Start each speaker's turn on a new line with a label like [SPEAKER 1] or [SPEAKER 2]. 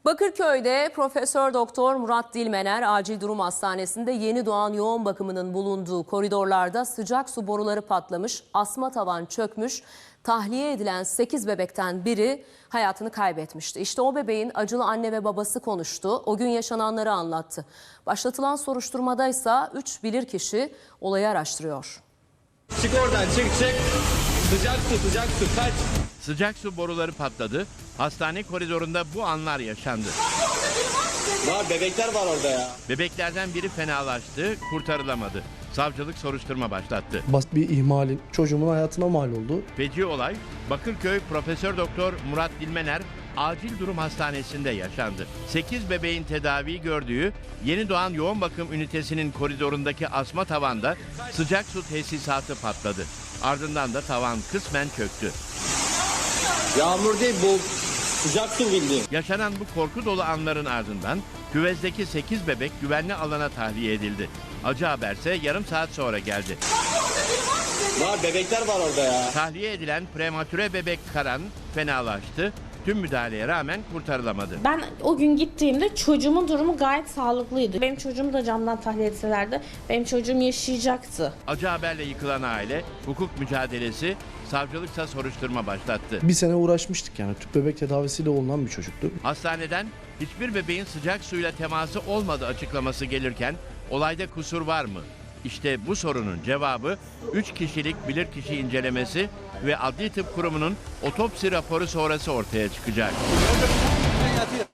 [SPEAKER 1] Bakırköy'de Profesör Doktor Murat Dilmener Acil Durum Hastanesi'nde yeni doğan yoğun bakımının bulunduğu koridorlarda sıcak su boruları patlamış, asma tavan çökmüş, tahliye edilen 8 bebekten biri hayatını kaybetmişti. İşte o bebeğin acılı anne ve babası konuştu, o gün yaşananları anlattı. Başlatılan soruşturmada ise 3 bilirkişi olayı araştırıyor.
[SPEAKER 2] Çık oradan çık. Sıcak su kaç.
[SPEAKER 3] Sıcak su boruları patladı. Hastane koridorunda bu anlar yaşandı.
[SPEAKER 2] Var bebekler var orada ya.
[SPEAKER 3] Bebeklerden biri fenalaştı, kurtarılamadı. Savcılık soruşturma başlattı.
[SPEAKER 4] Basit bir ihmalin çocuğumun hayatına mal oldu.
[SPEAKER 3] Feci olay Bakırköy Profesör Doktor Murat Dilmener Acil Durum Hastanesi'nde yaşandı. 8 bebeğin tedavi gördüğü yeni doğan yoğun bakım ünitesinin koridorundaki asma tavanda sıcak su tesisatı patladı. Ardından da tavan kısmen çöktü.
[SPEAKER 2] Yağmur değil bu sıcak su bildiğin.
[SPEAKER 3] Yaşanan bu korku dolu anların ardından küvezdeki 8 bebek güvenli alana tahliye edildi. Acı haberse yarım saat sonra geldi.
[SPEAKER 2] Var bebekler var orada ya.
[SPEAKER 3] Tahliye edilen prematüre bebek Karan fenalaştı. Tüm müdahaleye rağmen kurtarılamadı.
[SPEAKER 5] Ben o gün gittiğimde çocuğumun durumu gayet sağlıklıydı. Benim çocuğumu da camdan tahliye etselerdi benim çocuğum yaşayacaktı.
[SPEAKER 3] Acı haberle yıkılan aile hukuk mücadelesi, savcılıksa soruşturma başlattı.
[SPEAKER 4] Bir sene uğraşmıştık yani tüp bebek tedavisiyle olunan bir çocuktu.
[SPEAKER 3] Hastaneden hiçbir bebeğin sıcak suyla teması olmadı açıklaması gelirken olayda kusur var mı? İşte bu sorunun cevabı 3 kişilik bilirkişi incelemesi ve Adli Tıp Kurumu'nun otopsi raporu sonrası ortaya çıkacak.